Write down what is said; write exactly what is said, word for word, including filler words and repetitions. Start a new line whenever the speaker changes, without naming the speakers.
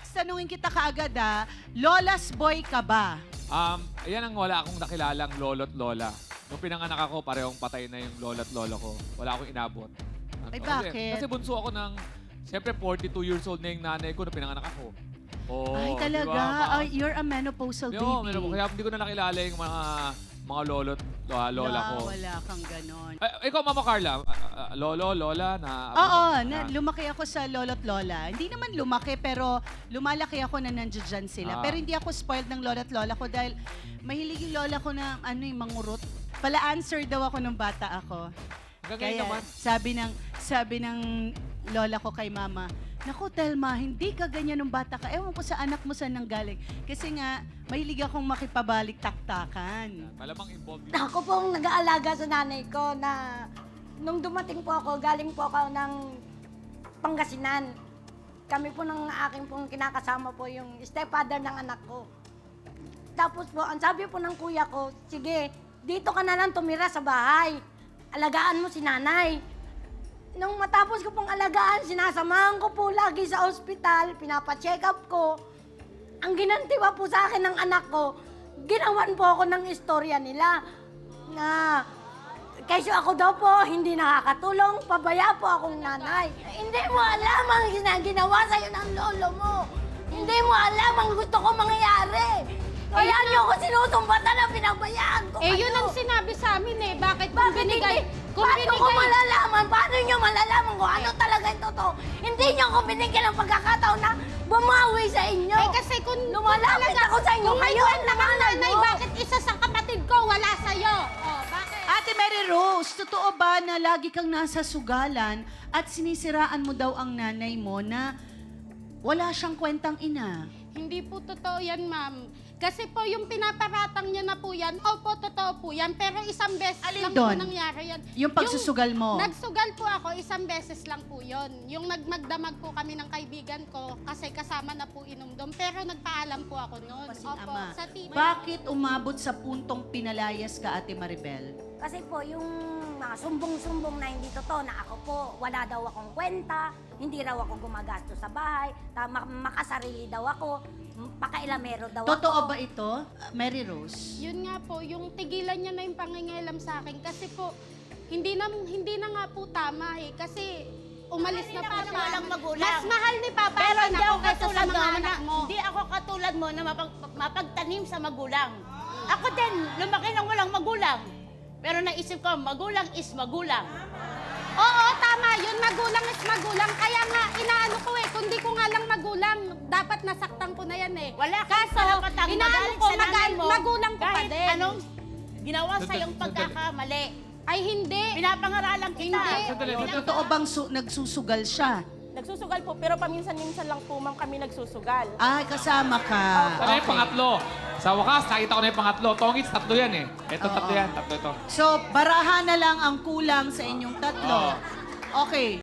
Alex, tanungin kita kaagad ah. Lola's boy ka ba?
Um, ayan ang wala akong nakilalang lolo't lola. Nung pinanganak ako, parehong patay na yung lolo't lolo ko. Wala akong inabot.
Ay,
Kasi-
bakit?
Kasi bunso ako ng, siyempre, forty-two years old na yung nanay ko nung pinanganak ako. Oh,
Ay,
di
talaga.
ba?
Ay, you're a menopausal
Yo,
baby.
meron- kaya hindi ko na nakilala yung mga mga lolo't lola, lola
Wala,
ko.
Wala kang ganon.
Ay, ikaw, Mama Carla, ah, ah, lolo, lola, na...
Oo,
ah,
na, lumaki ako sa lolo't lola. Hindi naman lumaki, pero lumalaki ako na nandiyan dyan sila.
Ah.
Pero hindi ako spoiled ng lolo't lola ko dahil mahilig yung lola ko na ano yung mangurot. Pala-answer daw ako nung bata ako.
Hanggang
Kaya
ngayon naman.
sabi ng sabi ng lola ko kay mama, "Naku, Telma, hindi ka ganyan nung bata ka. Ewan ko sa anak mo saan nanggaling." Kasi nga, mahilig akong makipabalik taktakan.
Malamang involved yun.
Ako pong nag-aalaga sa nanay ko na nung dumating po ako, galing po ako ng Pangasinan. Kami po ng aking pong kinakasama po yung stepfather ng anak ko. Tapos po, ang sabi po ng kuya ko, sige, dito ka na lang tumira sa bahay. Alagaan mo si nanay. Nung matapos ko pong alagaan, sinasamahan ko po lagi sa ospital, pinapacheck up ko. Ang ginanti pa po sa akin ng anak ko, ginawan po ako ng istorya nila na kaysa ako daw po hindi nakakatulong, pabaya po akong nanay. Hindi mo alam ang gina- ginawa sa'yo ng lolo mo. Hindi mo alam ang gusto ko mangyayari. Kaya niyo ako sinusumbatan na pinabayaan ko
Eh,
kayo.
yun ang sinabi sa amin eh. Bakit kung
Bakit
binigay...
hindi?
Kung
Paano ko
binigay...
malalaman? Paano niyo malalaman kung ano talaga yung totoo? Hindi niyo ako binigyan ng pagkakataon na bumawi sa inyo.
Eh, kasi kung...
Lumalapit
kung
ako sa inyo.
Kung
Kayo
kayo
ang
ang nanay,
nanganay mo.
bakit isa sa kapatid ko wala sa'yo? Oh, bakit?
Ate Mary Rose, totoo ba na lagi kang nasa sugalan at sinisiraan mo daw ang nanay mo na wala siyang kwentang ina?
Hindi po totoo yan, ma'am. Kasi po yung pinaparatang niya na po yan, opo, totoo po yan. Pero isang beses
Alin
lang
doon?
po nangyari yan.
Yung pagsusugal mo?
Nagsugal po ako, isang beses lang po yon. Yung nagmagdamag po kami ng kaibigan ko kasi kasama na po inom doon. Pero nagpaalam po ako noon.
Pasing
Opo,
ama.
sa T V.
Bakit umabot sa puntong pinalayas ka, Ate Maribel?
Kasi po, yung mga sumbong-sumbong na hindi totoo, na ako po, wala daw akong kwenta, hindi raw ako gumagastos sa bahay, tama, makasarili daw ako, pakailamero daw
Totoo
ako.
ba ito, Mary Rose?
Yun nga po, yung tigilan niya na yung pangingialam sa akin. Kasi po, hindi na, hindi na nga po tama eh. Kasi umalis na po siya.
walang magulang.
Mas mahal ni Papa
Pero
ang
hindi
anak
ako
ko kaysa sa
katulad mo,
mga
na,
anak mo.
hindi ako katulad mo na mapag, mapagtanim sa magulang. Ako din, lumaki ng walang magulang. Pero naisip ko, magulang is magulang.
Oo, tama yun. Magulang is magulang. Kaya nga, inaano ko eh. Kung di ko nga lang magulang, dapat nasaktan ko na yan eh.
Wala kang
Kaso,
karapatang
inaano
magalit
ko,
sa nanay
magal-
mo.
magulang ko pa
kahit
din.
anong ginawa sa
Sandali,
iyong pagkakamali.
Ay, hindi.
Pinapangaralan kita.
Hindi.
Sandali,
O,
dito.
totoo bang su- nagsusugal siya?
Nagsusugal po, pero paminsan-minsan lang po, ma'am, kami nagsusugal.
Ay, kasama ka.
Ano yung pangatlo? Sa wakas, nakita ko na yung pangatlo. Tongits, tatlo yan eh. Ito,
Oo.
tatlo yan. Tatlo ito.
So, barahan na lang ang kulang sa inyong tatlo.
Oo.
Okay.